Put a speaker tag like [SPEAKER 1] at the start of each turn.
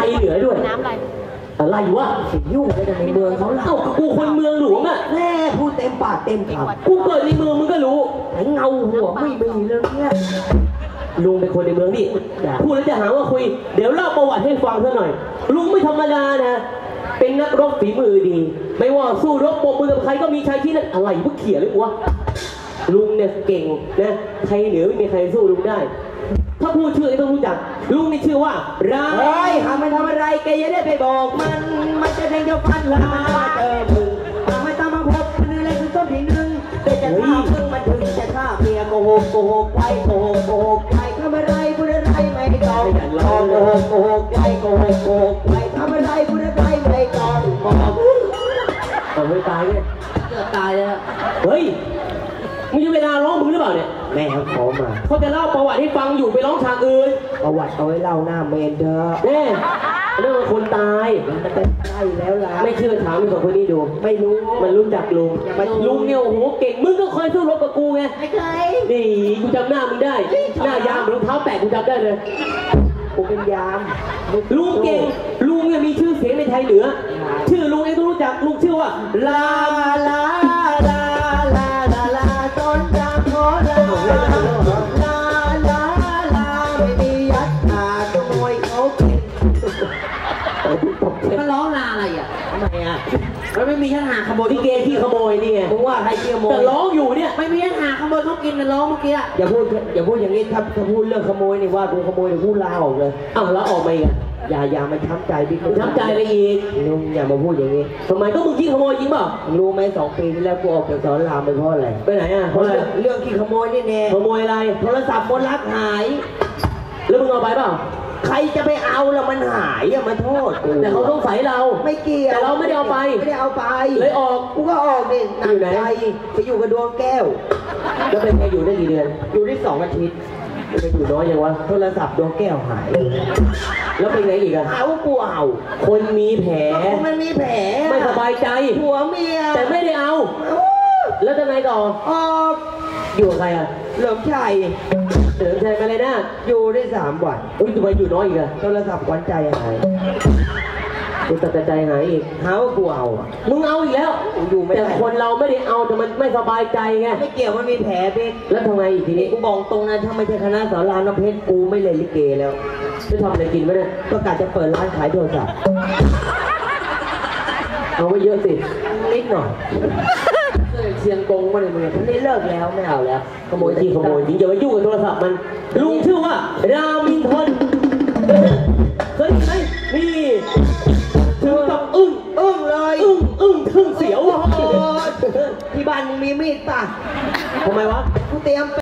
[SPEAKER 1] เหนือด้วย
[SPEAKER 2] น้ำอะไร
[SPEAKER 1] วะ
[SPEAKER 3] ยุ่งอะไรกันในเมืองเขาเล่า
[SPEAKER 1] กูคนเมืองหลวงอ่ะ
[SPEAKER 3] แม่พูดเต็มปากเต็มคำ
[SPEAKER 1] กูเกิดในเมืองมึงก็รู้
[SPEAKER 3] ไอ้เงาหัวไม่มีเลยเนี่ย
[SPEAKER 1] ลุงเป็นคนในเมืองนี่พูดแล้วจะหาว่าคุยเดี๋ยวเล่าประวัติให้ฟังซะหน่อยลุงไม่ธรรมดานะเป็นนักรบฝีมือดีไม่ว่าสู้รบปมมือกับใครก็มีชัยที่นั่นอะไรพวกเขี่ยเลยวะลุงเนี่ยเก่งนะใครเหนือไม่มีใครสู้ลุงได้ถ้าพูดชื่อต้องรู้จักลุงนี่ชื่อว่ารา
[SPEAKER 3] เฮ้ยหามันทำอะไรแกยังได้ไปบอกมันจะแทงเจ้าฟันละเจอมึงไม่ต้องมาพบมันอะไรคือต้นที่หนึ่งแต่จะฆ่ามึงมันถึงจะฆ่าเมียโกหกไปโกหกไปทำอะไรพูดอะไรไม่ต้องโกหกไปโกหกไปทำอะไรพูดอะไรไม่ต้องบอก
[SPEAKER 1] ไม่ตายเนี่ย
[SPEAKER 3] ตายแล้ว
[SPEAKER 1] เฮ้ยมึงจะเวลาร้องมึงหรือเปล่าเนี่ย
[SPEAKER 3] แม่เขาขอมา
[SPEAKER 1] เขาจะเล่าประวัติให้ฟังอยู่ไปร้องฉากอื่น
[SPEAKER 3] ประวัติเอาไว้เล่าหน้าเมนเธอ
[SPEAKER 1] แน่เรื่องคนตาย
[SPEAKER 3] มันจะใช่แล้วล่ะ
[SPEAKER 1] ไม่เชื่อถามมึงสองคนนี้ดู
[SPEAKER 3] ไม่รู้
[SPEAKER 1] มันรู้จักลุงเนี่ยโอ้โหเก่งมึงก็เคยสู้รบกับกูไง
[SPEAKER 3] ไม่เคย
[SPEAKER 1] นี่กูจำหน้ามึงได้หน้ายามรองเท้าแตะกูจำได้เลย
[SPEAKER 3] กูเป็นยาม
[SPEAKER 1] ลุงเก่งลุงเนี่ยมีชื่อเสียงในไทยเหนือชื่อลุงเองต้องรู้จักลุงชื่อว่าลา
[SPEAKER 3] ลาลาลาลาลาต้นจามโคลาลาลาลาไม่มียัดหาขโมยเขากินมันร้องลาอะไรอ่ะทำไมอ่ะมันไม่มียัดหาขโมย
[SPEAKER 1] ที่เกที่ขโมยนี่ไง
[SPEAKER 3] มึงว่าใครขโมย
[SPEAKER 1] แต่ร้องอยู่เนี่ย
[SPEAKER 3] ไม่มียัดหาขโมยเขากินนะร้องเมื่อกี้อย่าพูดอย่างนี้ถ้าพูดเรื่องขโมยนี่ว่ากูขโมยเดี๋ยวพูดลาออกเลย
[SPEAKER 1] อ้าวแล้วออกมาอีก
[SPEAKER 3] อย่ามาช้ำใจบิ๊ก
[SPEAKER 1] ช้ำใจอะไรอีก
[SPEAKER 3] ลุงอย่ามาพูดอย่างนี้
[SPEAKER 1] ทำไมก็มึงขี้ขโมยจริงเปล่า
[SPEAKER 3] รู้ไหม2 ปีที่แล้วกูออกจากสอนรามไปเพราะอะไร
[SPEAKER 1] ไปไหนอ่ะเพราะอะไร
[SPEAKER 3] เรื่องขี้ขโมยนี่แน่
[SPEAKER 1] ขโมยอะไร
[SPEAKER 3] โทรศัพท์บนรักหาย
[SPEAKER 1] แล้วมึงเอาไปเปล่า
[SPEAKER 3] ใครจะไปเอาแล้วมันหายอะมาโทษกู
[SPEAKER 1] แต่เขาต้องใส่เรา
[SPEAKER 3] ไม่เกี่ยว
[SPEAKER 1] แต่เราไม่ได้เอาไปเลยออก
[SPEAKER 3] กูก็ออกนี่หนักใจไปอยู่กับดวงแก้ว
[SPEAKER 1] แล้วเป็นไงอยู่ได้กี่เดือน
[SPEAKER 3] อยู่ได้2 อาทิตย์
[SPEAKER 1] ไปอยู่น้อยยังวะ
[SPEAKER 3] โทรศัพท์ดวงแก้วหาย
[SPEAKER 1] แล้วเป็นไงอีกอะ
[SPEAKER 3] หาว่ากูเอา
[SPEAKER 1] คนมีแผล
[SPEAKER 3] มันมีแผล
[SPEAKER 1] ไม่สบายใจ
[SPEAKER 3] ผัวเมีย
[SPEAKER 1] แต่ไม่ได้เอาแล้วจะไงต่ออยู่กับใครอะ
[SPEAKER 3] เหลิมชัย
[SPEAKER 1] มาเลยนะ
[SPEAKER 3] อยู่ได้3 วัน
[SPEAKER 1] อุ้ยทำไมอยู่น้อยอีกอะ
[SPEAKER 3] โทรศัพท์วันใจหาย
[SPEAKER 1] กูตัดใจหายอีก
[SPEAKER 3] หาว่ากูเอา
[SPEAKER 1] มึงเอาอีกแล้ว
[SPEAKER 3] อยู่ไม่ได้
[SPEAKER 1] แต่คนเราไม่ได้เอาแต่มันไม่สบายใจไง
[SPEAKER 3] ไม่เกี่ยวมันมีแผลเบ๊ก
[SPEAKER 1] แล้วทำไงอีกทีนี้
[SPEAKER 3] กูบอกตรงนั้นถ้าไม่ใช่คณะสอนรามน้ำเพชรกูไม่เล่นลิเกแล้ว
[SPEAKER 1] จะทำอะไรกินไหมเนี่ย
[SPEAKER 3] ก็กะจะเปิดร้านขายโทรศัพท์
[SPEAKER 1] เอาไว้เยอะสิ
[SPEAKER 3] นิดหน่อย
[SPEAKER 1] เชียงกงมาเลยมึง
[SPEAKER 3] นี่เลิกแล้วไม่เอาแล้ว
[SPEAKER 1] ขโมยจริงขโมยจริงอย่าไปยุ่งกับโทรศัพท์มันลุงชื่อว่ารามินทนเคยไหมนี่ถึงกับอึ้ง
[SPEAKER 3] เลย
[SPEAKER 1] อึ้งทึ่งเสียว
[SPEAKER 3] ที่บ้านมึงมีมีดป่ะ
[SPEAKER 1] ทำไมวะ
[SPEAKER 3] กูเตรียม